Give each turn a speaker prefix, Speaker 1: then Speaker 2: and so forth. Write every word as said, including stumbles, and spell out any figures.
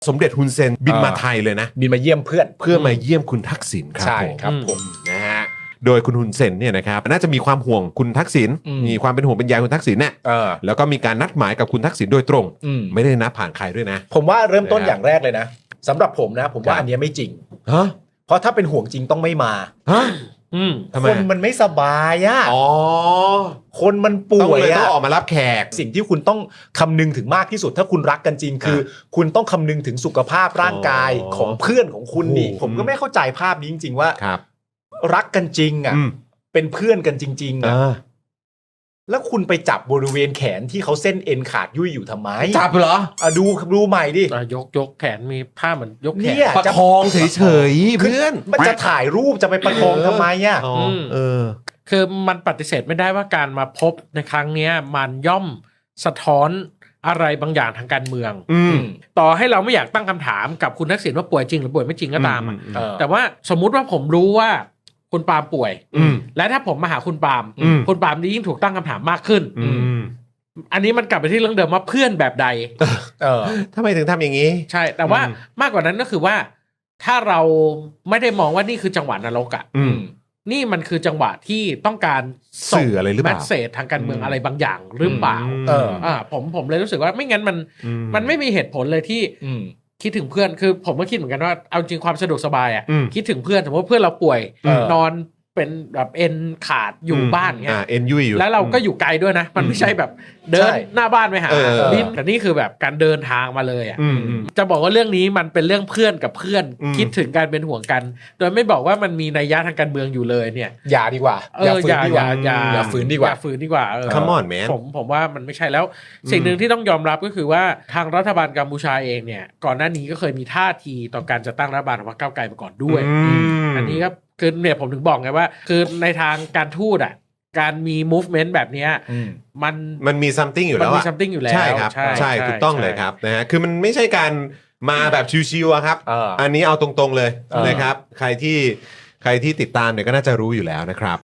Speaker 1: สมเด็จฮุนเซนบินมาไทยเลยนะ
Speaker 2: บินมาเยี่ยมเพื่อน
Speaker 1: เพื่อมาเยี่ยมคุณทักษิณครับ
Speaker 2: ใช่
Speaker 1: ผม
Speaker 2: ครับผม
Speaker 1: นะฮะโดยคุณฮุนเซนเนี่ยนะครับน่าจะมีความห่วงคุณทักษิณมีความเป็นห่วงเป็นใยคุณทักษิณเนี่ยแล้วก็มีการนัดหมายกับคุณทักษิณโดยตรงไม่ได้นัดผ่านใครด้วยนะ
Speaker 2: ผมว่าเริ่มต้นอย่างแรกเลยนะสำหรับผมนะผมว่าอันนี้ไม่จริง
Speaker 1: ฮะ
Speaker 2: เพราะถ้าเป็นห่วงจริงต้องไม่มา
Speaker 1: ฮะ
Speaker 2: คนมันไม่สบายอ่ะ
Speaker 1: อ๋อ
Speaker 2: คนมันป่วยอ่ะ
Speaker 1: ต้องออกมารับแขก
Speaker 2: สิ่งที่คุณต้องคำนึงถึงมากที่สุดถ้าคุณรักกันจริงคือคุณต้องคำนึงถึงสุขภาพร่างกายของเพื่อนของคุณนี่ผมก็ไม่เข้าใจภาพนี้จริงๆว่ารักกันจริงอ่ะเป็นเพื่อนกันจริงๆอ่ะแล้วคุณไปจับบริเวณแขนที่เขาเส้นเอ็นขาดยุ่ยอยู่ทำไม
Speaker 1: จับเหรอ
Speaker 2: อ่ะดูดูใหม่ดิ
Speaker 3: ยกยกแขนมีผ้าเหมือนยกแขน
Speaker 1: ประคองเฉยๆเพื่อน
Speaker 2: มันจะถ่ายรูปจะไปประคองทำไมอ่ะ
Speaker 1: เออ
Speaker 3: คือมันปฏิเสธไม่ได้ว่าการมาพบในครั้งนี้มันย่อมสะท้อนอะไรบางอย่างทางการเมืองต่อให้เราไม่อยากตั้งคำถามกับคุณทักษิณว่าป่วยจริงหรือป่วยไม่จริงก็ตามแต่ว่าสมมุติว่าผมรู้ว่าคุณปาล์มป่วยและถ้าผมมาหาคุณปาล์มคุณปาล์มนี่ยิ่งถูกตั้งคำถามมากขึ้นอันนี้มันกลับไปที่เรื่องเดิมว่าเพื่อนแบบใด
Speaker 1: เออทำไมถึงทำอย่างนี้
Speaker 3: ใช่แต่ว่ามากกว่านั้นก็คือว่าถ้าเราไม่ได้มองว่านี่คือจังหวะนรกอ่ะนี่มันคือจังหวะที่ต้องการ
Speaker 1: สื่ออะไรหรือเปล่า
Speaker 3: แมสเสจทางการเมืองอะไรบางอย่างหรือเปล่าเอออ่าผมผมเลยรู้สึกว่าไม่งั้นมันมันไม่มีเหตุผลเลยที่คิดถึงเพื่อนคือผมก็คิดเหมือนกันว่าเอาจริงความสะดวกสบายอ่ะคิดถึงเพื่อนสมมติว่าเพื่อนเราป่วยนอนเป็นแบบเอ็นขาดอยู่บ้านเงี้ย
Speaker 1: เอ็นยุ่ยอยู่
Speaker 3: แล้วเราก็อยู่ไกลด้วยนะมันไม่ใช่แบบเดินหน้าบ้านไปหาบินแต่นี่คือแบบการเดินทางมาเลยอ่ะจะบอกว่าเรื่องนี้มันเป็นเรื่องเพื่อนกับเพื่อนคิดถึงการเป็นห่วงกันโดยไม่บอกว่ามันมีนัยยะทางการเมืองอยู่เลยเนี่ย
Speaker 2: อย่าดีกว่า
Speaker 3: อย่าฝืนดีกว่า
Speaker 2: อย่าฝืนดีกว่า
Speaker 3: อย่าฝืนดีกว่า
Speaker 1: Come on man
Speaker 3: ผมผมว่ามันไม่ใช่แล้วสิ่งหนึ่งที่ต้องยอมรับก็คือว่าทางรัฐบาลกัมพูชาเองเนี่ยก่อนหน้านี้ก็เคยมีท่าทีต่อการจะตั้งรัฐบาลของพรรคก้าวไกลมาก่อนด้วยอันนี้ครับคือเนี่ยผมถึงบอกไงว่าคือในทางการทูตอ่ะการมี movement แบบนี้มัน
Speaker 1: มันมี something อยู่แล้ว
Speaker 3: มันมี something อยู่แล้ว
Speaker 1: ใช่ครับใช่ถูกต้องเลยครับนะฮะคือมันไม่ใช่การมาแบบชิวๆครับอันนี้เอาตรงๆเลยนะครับใครที่ใครที่ติดตามเนี่ยก็น่าจะรู้อยู่แล้วนะครับ